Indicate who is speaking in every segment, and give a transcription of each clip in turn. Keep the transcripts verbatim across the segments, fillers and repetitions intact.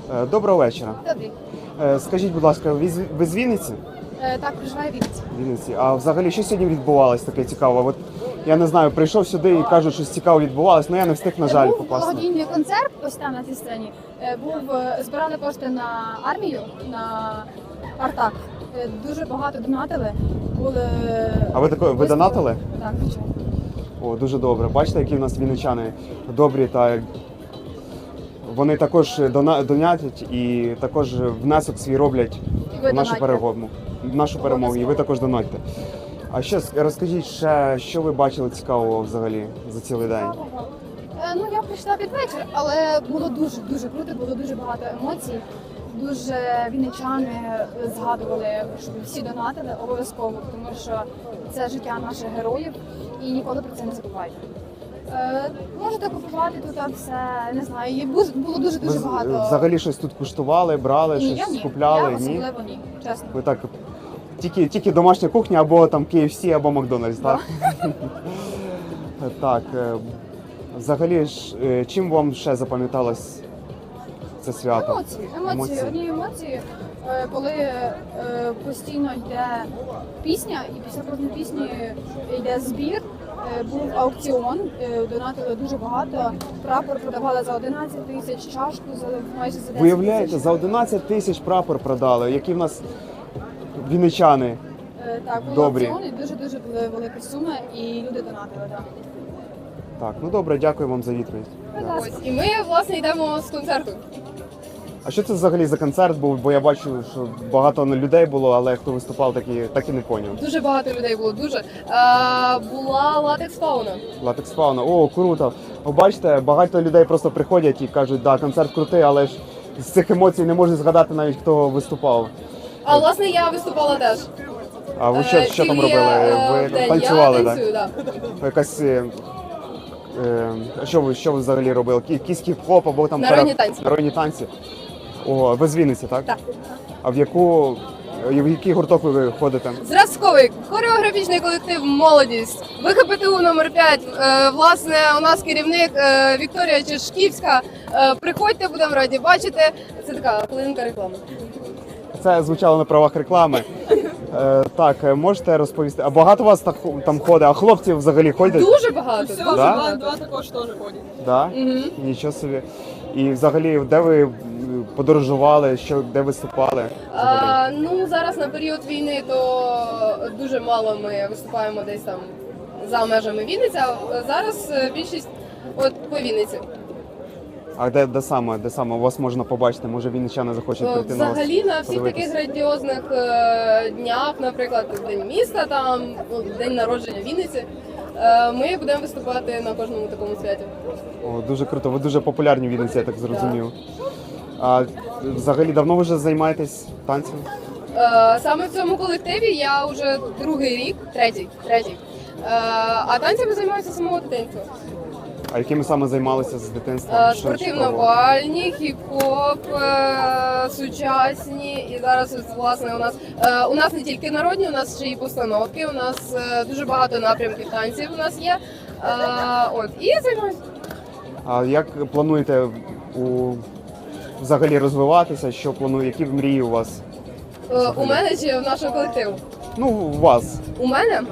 Speaker 1: Е, Доброго вечора.
Speaker 2: Добрий.
Speaker 1: Е, Скажіть, будь ласка, ви з ви з Вінниці?
Speaker 2: Е, так, проживаю в Вінниці.
Speaker 1: Вінниці. А взагалі, що сьогодні відбувалось таке цікаве? От я не знаю, прийшов сюди і кажуть, що цікаво відбувалось, але я не встиг, на жаль,
Speaker 2: Був
Speaker 1: попасти.
Speaker 2: благодійний концерт, ось там на цій сцені. Е, Був, е, збирали кошти на армію, на Артак. Е, Дуже багато донатили. Були...
Speaker 1: А ви тако, ви донатили?
Speaker 2: Так, звичайно.
Speaker 1: О, дуже добре. Бачите, які в нас вінничани добрі та вони також дона- донатять і також внесок свій роблять
Speaker 2: І ви
Speaker 1: в нашу
Speaker 2: донатьте.
Speaker 1: перемогу. В нашу перемогу. І ви також донатьте. А ще с- розкажіть ще, що ви бачили цікавого взагалі за цілий день?
Speaker 2: Е, Ну, я прийшла під вечір, але було дуже-дуже круто, було дуже багато емоцій. Дуже вінничани згадували, щоб всі донатили обов'язково, тому що це життя наших героїв і ніколи про це не забувайте. Е, можете купувати тут все, не знаю, і бу- було дуже-дуже
Speaker 1: Ви з-
Speaker 2: багато.
Speaker 1: взагалі щось тут куштували, брали,
Speaker 2: Ні, я
Speaker 1: щось
Speaker 2: ні,
Speaker 1: купляли?
Speaker 2: я
Speaker 1: Ні?
Speaker 2: особливо ні, чесно.
Speaker 1: Ви так тільки, тільки домашня кухня або там кей еф сі, або Макдональдс, так? Так. е, Взагалі ж, е, чим вам ще запам'яталось це свято?
Speaker 2: Емоції, емоції, одні емоції, е, коли е, постійно йде пісня, і після кожної пісні йде збір. Е, Був аукціон, е, донатили дуже багато. Прапор продавали за одинадцять тисяч, чашку за майже за десять
Speaker 1: Виявляєте,
Speaker 2: тисяч.
Speaker 1: за одинадцять тисяч прапор продали, які в нас вінничани.
Speaker 2: Е, Так, був
Speaker 1: Добрі.
Speaker 2: аукціон, і дуже-дуже були великі суми, і люди донатили. Так.
Speaker 1: Так, ну добре, дякую вам за відповідь.
Speaker 2: Будь ласка.
Speaker 3: Ось, і ми, власне, йдемо з концерту.
Speaker 1: А що це взагалі за концерт був? Бо я бачу, що багато людей було, але хто виступав, так і, так і не поняв.
Speaker 3: Дуже багато людей було, дуже. А, була латекс фауна.
Speaker 1: Латекс фауна. О, круто. Ви бачите, багато людей просто приходять і кажуть, да, концерт крутий, але ж з цих емоцій не можу згадати навіть, хто виступав.
Speaker 3: А власне я виступала теж.
Speaker 1: А ви що,
Speaker 3: Е,
Speaker 1: що там
Speaker 3: тільки,
Speaker 1: робили?
Speaker 3: е,
Speaker 1: Ви
Speaker 3: день.
Speaker 1: танцювали,
Speaker 3: Я
Speaker 1: так?
Speaker 3: танцюю, так.
Speaker 1: Якась. Е, е, що ви що ви взагалі робили? Кі- Якийсь хіп-хоп або там
Speaker 3: Народні
Speaker 1: пере-
Speaker 3: танці.
Speaker 1: Народні танці. О, ви з Вінниці, так?
Speaker 3: Так.
Speaker 1: А в яку в який гурток ви ходите?
Speaker 3: Зразковий хореографічний колектив Молодість. ВХПТУ номер п'ять. Е, власне, у нас керівник е, Вікторія Чешківська. Е, приходьте, будемо раді бачити. Це така хвилинка реклами.
Speaker 1: Це звучало на правах реклами. Е, так, е, можете розповісти. А багато вас так, там ходить? А хлопці взагалі ходять?
Speaker 3: Дуже багато.
Speaker 4: Все,
Speaker 3: дуже
Speaker 1: Да?
Speaker 4: два,
Speaker 3: багато.
Speaker 4: два також теж ходять.
Speaker 1: Да?
Speaker 3: Мгм.
Speaker 1: Нічого собі. І взагалі, де ви м, подорожували, що, де виступали? Взагалі?
Speaker 3: А, ну зараз на період війни то дуже мало ми виступаємо десь там за межами Вінниці. А зараз е, більшість от по Вінниці.
Speaker 1: А де, де саме? Де саме вас можна побачити? Може вінничани захочуть
Speaker 3: Е,
Speaker 1: прийти на вас?
Speaker 3: Взагалі на всіх
Speaker 1: подивитись?
Speaker 3: таких грандіозних е, днях, наприклад, День міста, там ну, день народження Вінниці. е, Ми будемо виступати на кожному такому святі.
Speaker 1: О, дуже круто. Ви дуже популярні в Вінниці, я так зрозумів. А взагалі давно ви вже займаєтесь танцем?
Speaker 3: Е, Саме в цьому колективі я вже другий рік, третій, третій. Е, А танцями займаюся з самого дитинства.
Speaker 1: А якими саме займалися з дитинства?
Speaker 3: Е,
Speaker 1: Що- що пробували?
Speaker 3: Спортивно-бальні, хіп-хоп, е, сучасні. І зараз ось, власне у нас е, у нас не тільки народні, у нас ще й постановки. У нас е, дуже багато напрямків танців. У нас є. Е, От і займаюся.
Speaker 1: А як плануєте у взагалі розвиватися? Що планує? Які мрії у вас?
Speaker 3: Е, У мене чи в нашого колективу?
Speaker 1: Ну, у вас.
Speaker 3: У мене? Е,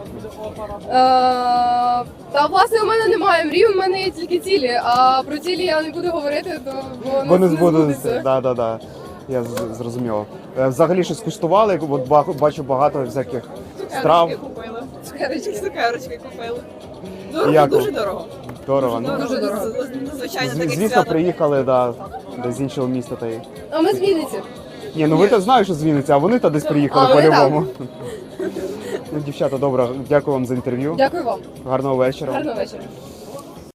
Speaker 3: Та власне у мене немає мрій, у мене є тільки цілі. А про цілі я не буду говорити, то бо
Speaker 1: Бо
Speaker 3: нас
Speaker 1: не
Speaker 3: не
Speaker 1: збудуться.
Speaker 3: збудеться.
Speaker 1: Да, да, да. Я з- зрозумів. Е, Взагалі щось куштували? От ба- бачу багато всяких страв.
Speaker 4: Цукерочки купили.
Speaker 3: Цукерочки.
Speaker 4: Цукерочки купили.
Speaker 1: І
Speaker 4: Дорого,
Speaker 1: як
Speaker 4: дуже
Speaker 1: вам?
Speaker 4: дорого.
Speaker 1: Дорого. Ну,
Speaker 3: Дуже дорого.
Speaker 4: З- з- Звичайно,
Speaker 1: з-
Speaker 4: таке
Speaker 1: звісно,
Speaker 4: свято.
Speaker 1: приїхали да, десь з іншого міста. Та й...
Speaker 3: А ми з Вінниці.
Speaker 1: Ні, ну ви то знаєте, що з Вінниці, а вони то десь приїхали
Speaker 3: А, вони
Speaker 1: по-любому. Ну, дівчата, добре, дякую вам за інтерв'ю.
Speaker 3: Дякую вам.
Speaker 1: Гарного вечора.
Speaker 3: Гарного вечора.